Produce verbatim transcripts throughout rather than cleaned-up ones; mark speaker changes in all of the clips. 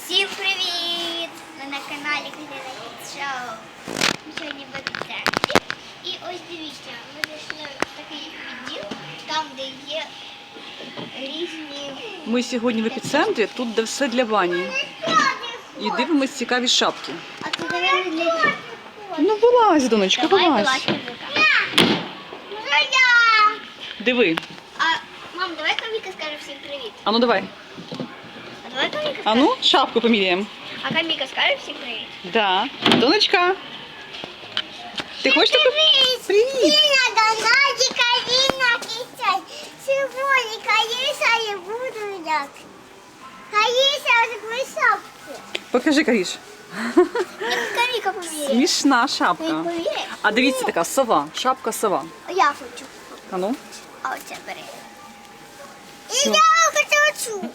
Speaker 1: Всім привіт! Ми на каналі Катерина Шоу. Ми сьогодні в епіцентрі. І ось дивіться, ми зайшли в такий відділ, там де є різні...
Speaker 2: Ми сьогодні в епіцентрі, тут де все для бані. І дивимось цікаві шапки.
Speaker 1: А це, наверное, для дітей.
Speaker 2: Ну вилазь, донечка,
Speaker 1: Давай,
Speaker 2: вилазь.
Speaker 1: вилазь, Камілка.
Speaker 2: Диви.
Speaker 1: А, мам, давай Камілка скаже всім привіт.
Speaker 2: А ну давай.
Speaker 1: А давай Камілка
Speaker 2: А
Speaker 1: скаже.
Speaker 2: ну, шапку поміряємо.
Speaker 1: А Камілка скаже всім привіт.
Speaker 2: Да. Донечка. Ти хочеш таку? Привіт.
Speaker 1: Сьогодні Каріса я буду як. Каріса такої шапки.
Speaker 2: Покажи, Каріш.
Speaker 1: Як Камілка поміряє.
Speaker 2: Смішна шапка.
Speaker 1: Ти поміряєш?
Speaker 2: А дивіться, така сова. Шапка сова.
Speaker 1: Я хочу.
Speaker 2: А ну.
Speaker 1: А оце бери. І
Speaker 2: Що?
Speaker 1: я хочу оцю.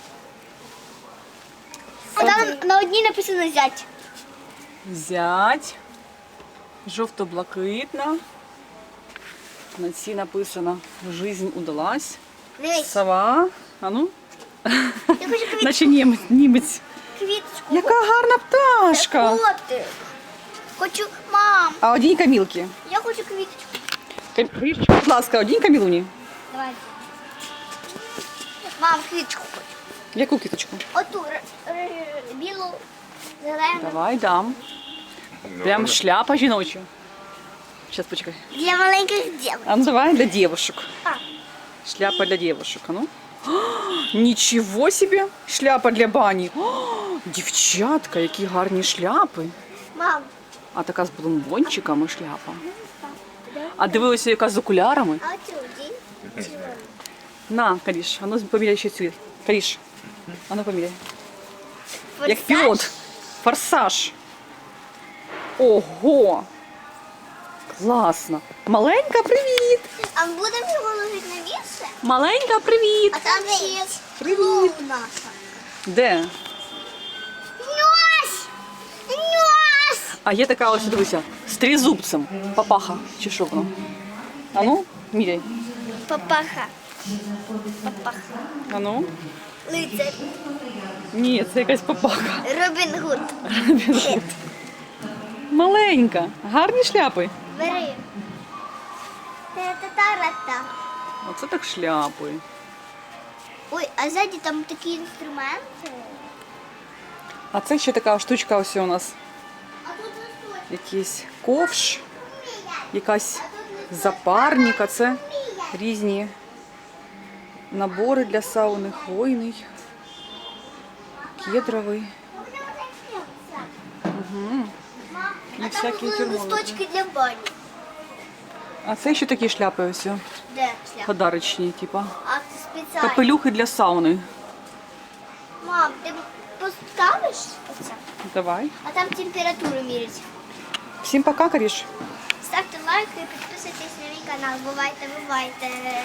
Speaker 1: А там на одній написано зять.
Speaker 2: Зять. Жовто-блакитна. На цій написано «Жизнь удалась».
Speaker 1: Дивись,
Speaker 2: Сова. А ну.
Speaker 1: я хочу квіт...
Speaker 2: Наче німець. німець.
Speaker 1: квіточку.
Speaker 2: Яка гарна пташка.
Speaker 1: Котик. Хочу, мам,
Speaker 2: А одінь Камілки.
Speaker 1: я хочу квіточку.
Speaker 2: Камілочка, будь ласка, одінь Камілуні.
Speaker 1: Давай. Мам, квіточку хочу.
Speaker 2: Яку квіточку?
Speaker 1: Оту р- р- білу, зелену.
Speaker 2: Давай, дам. Прям шляпа жіноча. Сейчас, почекай.
Speaker 1: Для маленьких дівчат.
Speaker 2: А ну давай, для девушек.
Speaker 1: А,
Speaker 2: Шляпа для девушек, а ну. О, нічого собі, шляпа для бані. О, дівчатка, які гарні шляпи.
Speaker 1: мам,
Speaker 2: А така з бомбончиками шляпа. А дивилася, яка з окулярами.
Speaker 1: а оцю дінь?
Speaker 2: На, Каріш, а ну поміряй ще цю. Каріш, а ну поміряй. Як пілот. Форсаж. Ого! Класно. Маленька, привіт!
Speaker 1: А ми будемо його ложити на місце?
Speaker 2: Маленька, привіт!
Speaker 1: А там ще
Speaker 2: Привіт!
Speaker 1: наша.
Speaker 2: Де?
Speaker 1: Нос! Нос!
Speaker 2: А є така ось, дивися, з тризубцем. Папаха. Чи що воно? А ну, міряй.
Speaker 1: Папаха. Папаха.
Speaker 2: А ну.
Speaker 1: Лицар.
Speaker 2: Ні, це якась папаха.
Speaker 1: Робін Гуд.
Speaker 2: Маленька. Гарні шляпи.
Speaker 1: Бери. Та-та-та-ра-та.
Speaker 2: Оце так шляпи.
Speaker 1: Ой, а ззаді там такі інструменти.
Speaker 2: А це ще така штучка ось у нас.
Speaker 1: А тут листочок.
Speaker 2: Якийсь ковш, якась запарник, а це різні набори для сауни, хвойний, кедровий. Угу. І
Speaker 1: А там
Speaker 2: всякі
Speaker 1: були
Speaker 2: термометри.
Speaker 1: листочки для бані.
Speaker 2: А це ще такі шляпи ось, о,
Speaker 1: Де шляпа?
Speaker 2: подарочні, типа.
Speaker 1: А це спеціально.
Speaker 2: Капелюхи для сауни.
Speaker 1: Мам, ти поставиш оце?
Speaker 2: Давай.
Speaker 1: А там температуру мірять.
Speaker 2: Всім пока, Каріш.
Speaker 1: Ставте лайки і підписуйтесь на мій канал. Бувайте, бувайте.